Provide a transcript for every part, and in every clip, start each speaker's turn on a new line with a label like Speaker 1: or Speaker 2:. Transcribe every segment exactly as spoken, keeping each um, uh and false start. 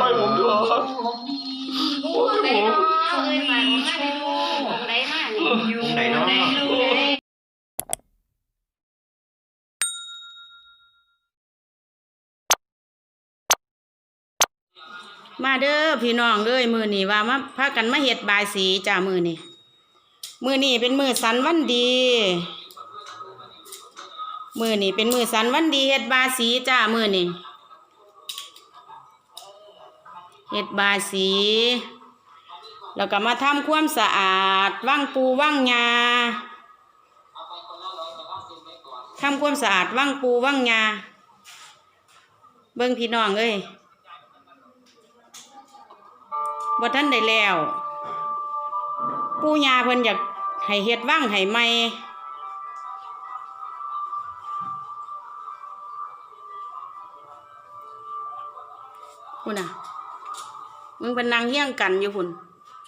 Speaker 1: ผมเถอะ
Speaker 2: องค์ไหนเนาะเอ้ยฝากองค์มาได้ดูองค์ไหนมานี่องค์ไหนเนาะ
Speaker 3: มาเด้อพี่น้องเอ้ยมือนี่ว่ามาพากันมาเฮ็ดบายสีจ้ามือนี่มือนี่เป็นมือสันวันดีมือนี่เป็นมือสันวันดีเฮ็ดบายสีจ้ามือนี่เฮ็ดบายสีแล้วก็มาทำความสะอาดว่างปูว่างยาทำความสะอาดว่างปูว่างยาเบิ่งพี่น้องเอ้ยบ่ทันได้แล้วปู่ย่าเพิ่นอยากให้เฮ็ดว่างให้ใหม่พุ่นน่ะมึงเป็นนางเฮี้ยงกันอยู่พุ่น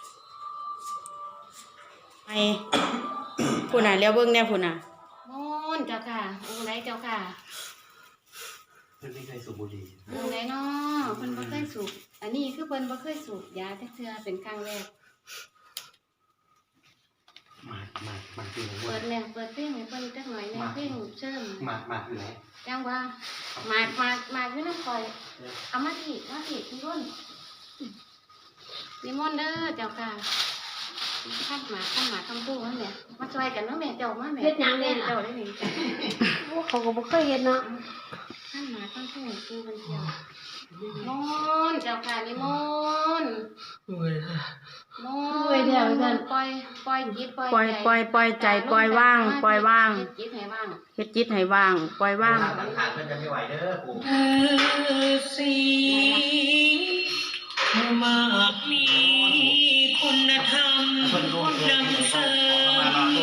Speaker 3: ไอ้พุ่นน่ะแล้วเบิ่งแน่พุ่นน่ะ
Speaker 2: มนเจ้าค่ะองค์ไหนเจ้าค่ะ
Speaker 1: เพิ่นไม่เคยสูบบุหรี่
Speaker 2: องค์ไหนเนาะเพิ่นบ่เคยสูบอันนี้คือเพิ่นบ่เคยสูบยาจักเทื่อเป็นครั้งแรก
Speaker 1: มามามาที่ไหน
Speaker 2: เปิดแม่เปิดเพลงให้เพิ่นจักหน่อยแม่เพลงเชิญ
Speaker 1: มามาที่ไหน
Speaker 2: จังว่ามามามาอยู่นำข่อยเอามาที่มาที่นิมนต์นิมนต์เด้อเจ้าค่ะข้ามหมาข้ามหมาข้ามปูนั่นแหละมาช่วยกันเนาะแม่เจ้ามาแม่เฮ็ดหยังเนี่ยเจ้าได้นี่จ้ะเขาก็บ่เคยเฮ็ดเนาะข้ามหมาข้ามปูปูเพิ่นเที่ยวมนต์เจ้าค่ะนิมนต์มนต์ปล่อยปล่อยจิตปล่อย
Speaker 3: ปล่อยปล่อยปล่อยใจปล่อยว่างปล่อยว่าง
Speaker 2: เฮ็ดจิตให้ว่าง
Speaker 3: เฮ็ดจิตให้ว่างปล่อยว่าง
Speaker 1: มันขาดเพิ่นจะไม่ไหวเด้อปู่
Speaker 4: สีมากมีคุณธรรมนำเสริม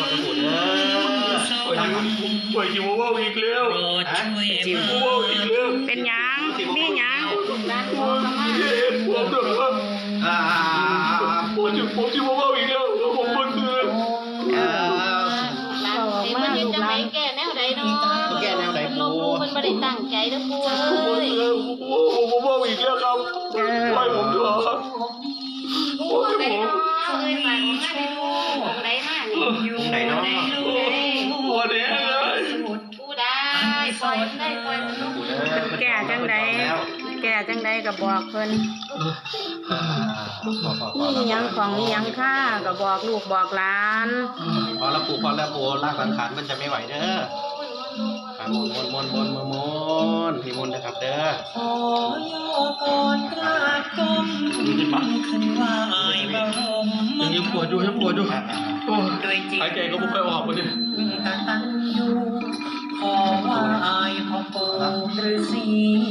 Speaker 1: ป่วยจิ๋วว่าอีกแล้ว
Speaker 4: จิ๋ว
Speaker 1: ว่าอีกแล้ว
Speaker 3: เป็นหยังมีหยัง
Speaker 2: ร้านโมกมา
Speaker 1: ผมเดือดร้อนอ่าผมจิ๋วผมจิ๋วว่าอีกแล้วแล้วผมบ่คืน
Speaker 3: เออ
Speaker 2: ร้านเต็มมันเฮ็ดจังไดแก้แนวใดเนาะ
Speaker 1: แก้แนวใดปู่
Speaker 2: มันบ่ได้ตั้งใจเด้อปู่เอ้ย
Speaker 1: ผมว่าอีกแล้วครับไปผมเถอะ
Speaker 2: องค์ไหนเนาะเอ้ยฝากองค์มาได้ดูองค์ไหนมานี่
Speaker 1: องค์ไหนเนาะวันนี้เลย
Speaker 2: ปู่ได้ปล่อยได้ปล่อยมันลง
Speaker 3: แก่จังใดแก่จังใดก็บอกเพิ่นมีหยังของมีหยังค่าก็บอกลูกบอกหลาน
Speaker 1: พอแล้วปู่พอแล้วปู่ร่างสังขารมันจะไม่ไหวเด้อมนมนมนมนมนพี่มนนะครับเด้อ
Speaker 4: ขอยกอดกราบก้มขึ้นไหวบรม
Speaker 1: ยังปวดอยู่ยังปวดอยู่
Speaker 4: โดยจิต
Speaker 1: หายใจก็ไม่ค่อยออกเลย
Speaker 4: กตัญญูขอไหว้พ่อปู่ฤาษี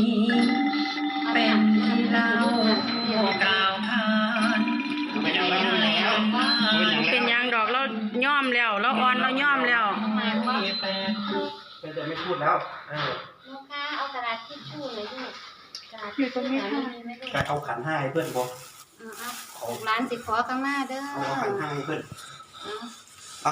Speaker 4: เป็นเล่ากล่าวขาน
Speaker 1: เป็นยังแล้ว
Speaker 3: เป็นยังดอกเราย่อมแล้วเราอ่อนเราย่อมแล้ว
Speaker 1: เป็นแต่ไม่พูดแล้ว
Speaker 2: ลูกค้าเอากระดาษทิชชู่เลยลูกกระดาษ
Speaker 1: ทิชชู่การเอาขันห้าให้เพื่อนบอก
Speaker 2: เอาร้านสิขอข้างหน้าเด้อ
Speaker 1: เอาขันห้าให้เพื่อนอ่ะ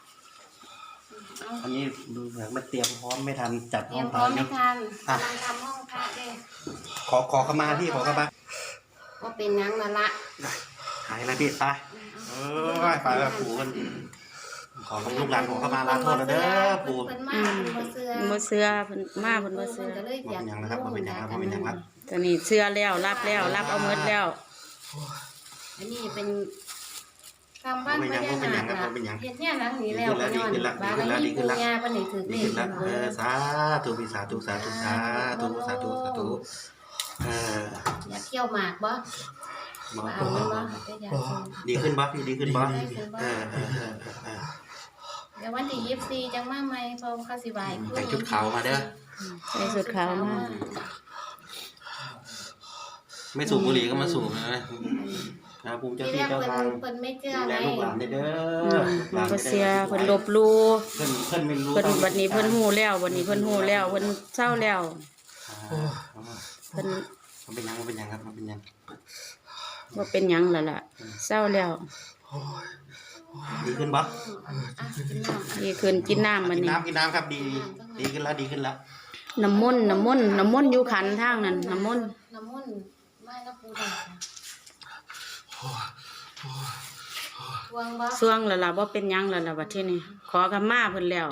Speaker 1: อันนี้ดูเหมือนมันเตรียมพร้อมไม่ทันจัด
Speaker 2: ห้องพร้อมไม่ทันกำลังทำห้องพระเด้
Speaker 1: ขอขอเข้ามาพี่ขอเข้ามา
Speaker 2: ก็เป็นยังนั่นละ
Speaker 1: หายแล้วพี่ไปเออไปแล้วปู่กันขอลูกหลานขอเข้ามาลาโทษแล้วเด้อปู่
Speaker 2: เพิ่นมาเพิ่นบ่เชื่อ
Speaker 3: บ่เชื่อเพิ่นมาเพิ่นบ่เชื่อ
Speaker 2: ก็เลยอยาก
Speaker 1: เป็นยังนะครับบ่เป็นยังครับบ่เป็นยังครับ
Speaker 3: ตอนนี้เชื่อแล้วรับแล้วรับเอาหมดแล้ว
Speaker 2: อันนี้เป็นคำบ้านพญานาคเฮ็ดเนี่ยหลังนี้แล้วย้อนบารมีปู่ย่าเพิ่นให้ถือเลข
Speaker 1: เออสาธุพี่สาธุสาธุสาธุสาธุสาธุเออ
Speaker 2: อยากเที่ยวหมากบ่เอามันบ่
Speaker 1: ดีขึ้นบ่พี่ดีขึ้นบ่เออ
Speaker 2: เดี๋ยววันที่ยี่สิบสี่จังมาใหม่พอเขาสิบาย
Speaker 1: ใส่ชุดขาวมาเด้อ
Speaker 3: ใส่ชุดขาวมา
Speaker 1: ไม่สูบบุหรี่ก็มาสูบนะนะภูมิเจ้าที่เจ้าทาง
Speaker 2: เพิ่นไม่เชื่อ
Speaker 1: ไงลูกหลานเด้อ
Speaker 3: เพิ่นบ่เชื่อเพิ่นลบลู่
Speaker 1: เพิ่นเพิ่นไม่รู้
Speaker 3: เพิ่นบัดนี้เพิ่นฮู้แล้วบัดนี้เพิ่นฮู้แล้วเพิ่นเศร้าแล้วเพิ่น
Speaker 1: มันเป็นยังมันเป็นยังครับมันเป็นยัง
Speaker 3: ว่าเป็นยังล่ะล่ะเศร้าแล้ว
Speaker 1: ดีขึ้นบ่
Speaker 3: ดีขึ้นกินน้ำมันนี่
Speaker 1: กินน้ำกินน้ำครับดีดีขึ้นแล้วดีขึ้นแล้ว
Speaker 3: น้ำมนต์น้ำมนต์น้ำมนต์อยู่ขันทางนั้นน้ำมนต์
Speaker 2: น้ำมนต์ไม่นะปูผู้ใดทวงบ่
Speaker 3: ส่วงแล้วล่ะบ่เป็นหยังแล้วล่ะบัดทีนี้ขอกับมาเพิ่นแล้ว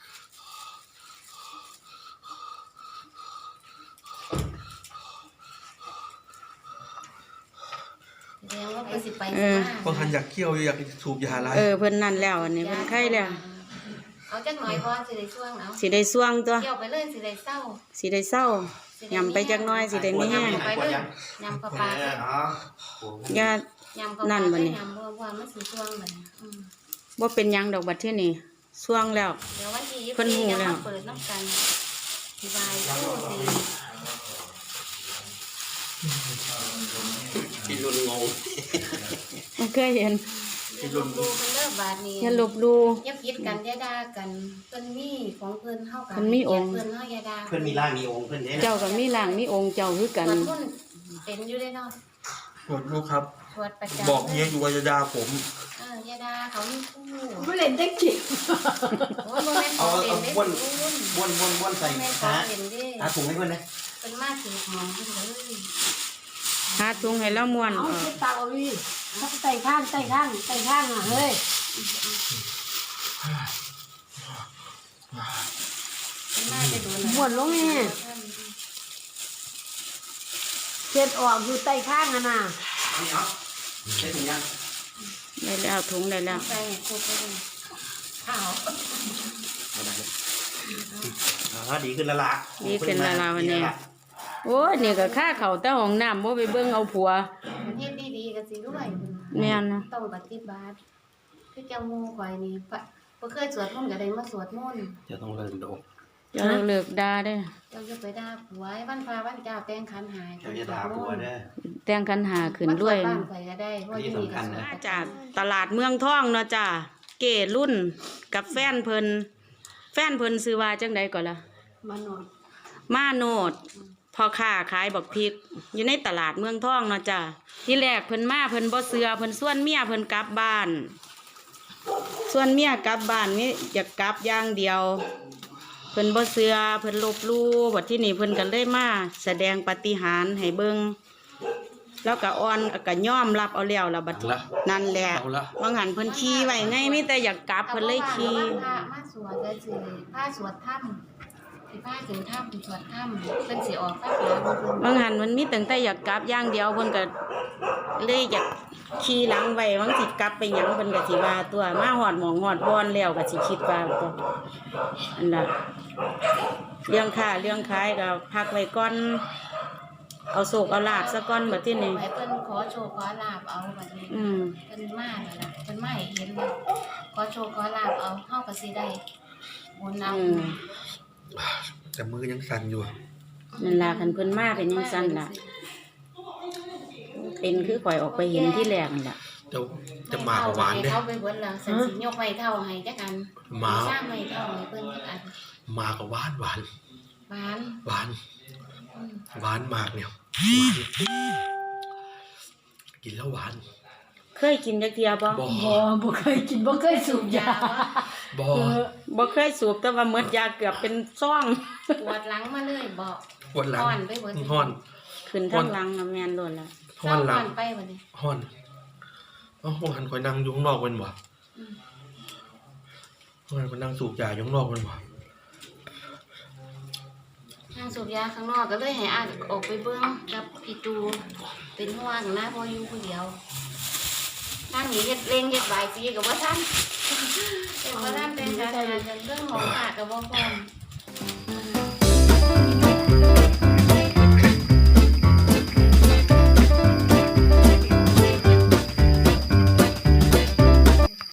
Speaker 2: แสดงว่าเพิ่นสิไป
Speaker 3: เอ
Speaker 2: สิ
Speaker 3: อ
Speaker 2: มา
Speaker 1: บางคันอยากเกี่ยวอยากสูบยาอะไร
Speaker 3: เออเพิ่นนั่นแล้วอันนี้เพิ่นไข้แล้ว
Speaker 2: เอาจักหน่อยพอสิได้ช่วงเอา
Speaker 3: สิได้ส่วงตัว
Speaker 2: เกี่ยวไปเลยสิได้เศร้า
Speaker 3: สิได้เศร้า ยำไปจักหน่อยสิได้มีแห้ง
Speaker 2: ยำไปเลยยำปลาปลา
Speaker 3: อย่า
Speaker 2: ยำปลาป
Speaker 3: นั่
Speaker 2: ลาน
Speaker 3: บ่นี่
Speaker 2: ยำบัวบัวมันสิช่วงบัดนี้อืม
Speaker 3: บ่เป็นหยังดอกบัดทีนี้ส่วงแล้ว
Speaker 2: เดี๋ยววันที่ยี่
Speaker 3: เพิ่น
Speaker 2: สิบ
Speaker 3: หู
Speaker 2: สี่จะ
Speaker 3: แล้ว
Speaker 2: มาเปิดน้ำกันที่วายตู้สิ
Speaker 1: พี่รุนงง
Speaker 3: บ่เคยเห็น
Speaker 2: อย่าลบหลู่เพิ่นเลิกบาดนี้
Speaker 3: อย่าลบหลู่
Speaker 2: อย่าผิดกันอย่าด่ากันเพิ่นมีของเพิ่นเฮากัน
Speaker 3: เพิ่นมีองค์
Speaker 2: เพิ่นเฮาอย่าด่า
Speaker 1: เพื่อนมีร่างมีองค์เพื่อนเนี่ย
Speaker 3: เจ้าก็มีร่างมีองค์เจ้าคือกัน
Speaker 2: สวดมนต์เป็นอยู่ได้เนาะ
Speaker 1: ปวดลูกครับ
Speaker 2: สวดประจำ
Speaker 1: บอกเมียอยู่ว่าจะด่าผม
Speaker 2: เอออย่าด่าเขามีคู่
Speaker 5: ไม่เล่นได้จริง
Speaker 2: โอ้ยบ่แม่นของเล่นเด้
Speaker 1: เอา
Speaker 2: คุณ
Speaker 1: บ้วนบ้วนบ้วนใส่
Speaker 2: บ่แม่นขอ
Speaker 1: หาง
Speaker 2: เล่นเด้
Speaker 1: หาถุงให้เพื่อนนะ
Speaker 2: เป็นมาถือหอมเพิ่นเลย
Speaker 3: หาถุงให้แล้วม่วน
Speaker 5: เอา
Speaker 3: ออก
Speaker 5: เช็ดตาเอาดิไต่ข้างไต่ข้างไต่ข้างอ่ะเฮ้ย
Speaker 2: เป็นมาจะโดน
Speaker 5: บวนลงนี่เช็ดออกอยู่ไต่ข้างอ่ะนะ
Speaker 1: นี่เอาใช้ถุงยัง
Speaker 3: ได้แล้วถุงได้แล้ว
Speaker 2: ใส่ให้ครบไปเลยข้าว
Speaker 1: เอาได้เลยอ๋อดีขึ้นแล้วล่ะ
Speaker 3: ดีขึ้นแล้วล่ะวันนี้ โอ้ยนี่ก็ค่าเข้าแต่ห้องน้ำบ่ไปเบิ่งเอาผัว
Speaker 2: มันเฮ็ดดีๆก็สิรวย
Speaker 3: แม่นนะ
Speaker 2: ต้องปฏิบัติคือเจ้าหมู่ข่อยนี่ปะบ่เคยสวดมนต์ก็ได้มาสวดมนต์
Speaker 1: จะต้องเลิกโด
Speaker 3: เจ้าเลิกด่าเด้อ
Speaker 2: เจ้าอย่าไปด่าผัวไอ้วันพระวันเจ้าแต่งขันหาย
Speaker 1: เจ้าจะด่าผัวเด้อ
Speaker 3: แต่งคันหาขึ้นรวย
Speaker 2: มาสบ้านข่อยก็ได้เพราะ
Speaker 1: อันนี้
Speaker 2: ที่นี่
Speaker 1: สำคั
Speaker 2: ก็
Speaker 1: ญ
Speaker 2: สว
Speaker 1: นะ
Speaker 2: ด
Speaker 3: มาจากตลาดเมืองทองเนาะจ้าเก๋รุ่นกับแฟนเพิ่นแฟนเพิ่นซื้อว่าจังใดก่อนล่ะ
Speaker 5: มาหน่อย
Speaker 3: มาโนดพ่อค้าขายบักพริก อยู่ในตลาดเมืองทองเนาะจ้าที่แรกเพิ่นมาเพิ่นบ่เสือเพิ่นส่วนเมียเพิ่นกลับบ้าน ส่วนเมียกลับบ้านนี่อยากกลับอย่างเดียว เพิ่นบ่เสือเพิ่นลบหลู่บัดที่นี่เพิ่นก็เลยมาแสดงปาฏิหาริย์ให้เบิ่งแล้วก็อ่อนก็ยอมรับเอาแล้วล่ะบัดนั่นแหละบางหันเพิ่นขี่ไว้ไงมีแต่อยากกลับเพิ่นเลยขี่
Speaker 2: พระมาสวดก็สิพระสวดถ้ำสิพระถึงถ้ำสวดถ้ำเพิ่นสิออกพระผาเพิ่น
Speaker 3: บางหันมันมีตั้งแต่อยากกลับอย่างเดียวเพิ่นก็เลยอยากขี่หลังไว้บางสิกลับไปหยังเพิ่นก็สิว่าตัวมาฮอดหมองฮอดบอนแล้วก็สิคิดว่าตัวอันน่ะเรื่องค้าเรื่องขายก็พักไว้ก่อนเอาโศกเอาลาบซะก่อนบัดทีนี้
Speaker 2: ไว้เพิ่นขอโชคขอลาบเอาบัดนี้
Speaker 3: อืม
Speaker 2: เพิ่นมาแล้วล่ะเพิ่นมาให้เห็นแล้วขอโชคขอลาบเอาเฮาก็สิได้บุญเอา
Speaker 3: อืม
Speaker 1: แต่มือยังสั่นอยู่
Speaker 3: นั่นล่ะคันเพิ่นมาเป็นจังซั่นล่ะเป็นคือข่อยออกไปเห็นที่แรกนั่นล่ะ
Speaker 1: จะจะมากับหวาน
Speaker 2: เด้
Speaker 1: เด้
Speaker 2: เขาไปเบิดแล้วสันสิยกไว้เท่าให้จักอัน
Speaker 1: มา
Speaker 2: สร้างไว้เท่าให้เพิ่นจักอัน
Speaker 1: มากับหวานหวาน
Speaker 2: หวาน
Speaker 1: หวาน
Speaker 2: อืม
Speaker 1: หวานมากเนี่ยหวานกินแล้วหวาน
Speaker 3: เคยกินจักเที่ยบ่
Speaker 1: บ่
Speaker 5: บ่บ่เคยกินบ่เคยสูบยา
Speaker 1: บ่
Speaker 5: เออ
Speaker 3: บ่เคยสูบแต่ว่าหมดยาเกือบเป็นซ่อง
Speaker 2: ปวดหลังมาเลยบอก
Speaker 1: ปวดหลัง
Speaker 2: อ่อนไปเบิด
Speaker 1: ห้อน
Speaker 3: ขึ้นทางหลังน่ะแม่นโดนแล้ว
Speaker 1: ห้อนหลัง
Speaker 2: เศร้าไปบัดนี้
Speaker 1: ห้อนเอ้าห้องหันคอยนั่งอยู่ข้างนอกเป็นบ่
Speaker 2: อืม
Speaker 1: ห้องหันคอยนั่งสูบยาอยู่ข้างนอกเป็นบ่
Speaker 2: ทางสูบยาข้างนอกก็เลยให้อาออกไปเบิ่งกับพี่ตูเป็นห่วงนะเพออยู่ผู้เดียวทางนี้เฮ็ดเร่งเฮ็ดบายสีก็บ่ทันเฮ็ดบ่ทันเป็นการงานเรื่องของขาดก็บ่พร้อม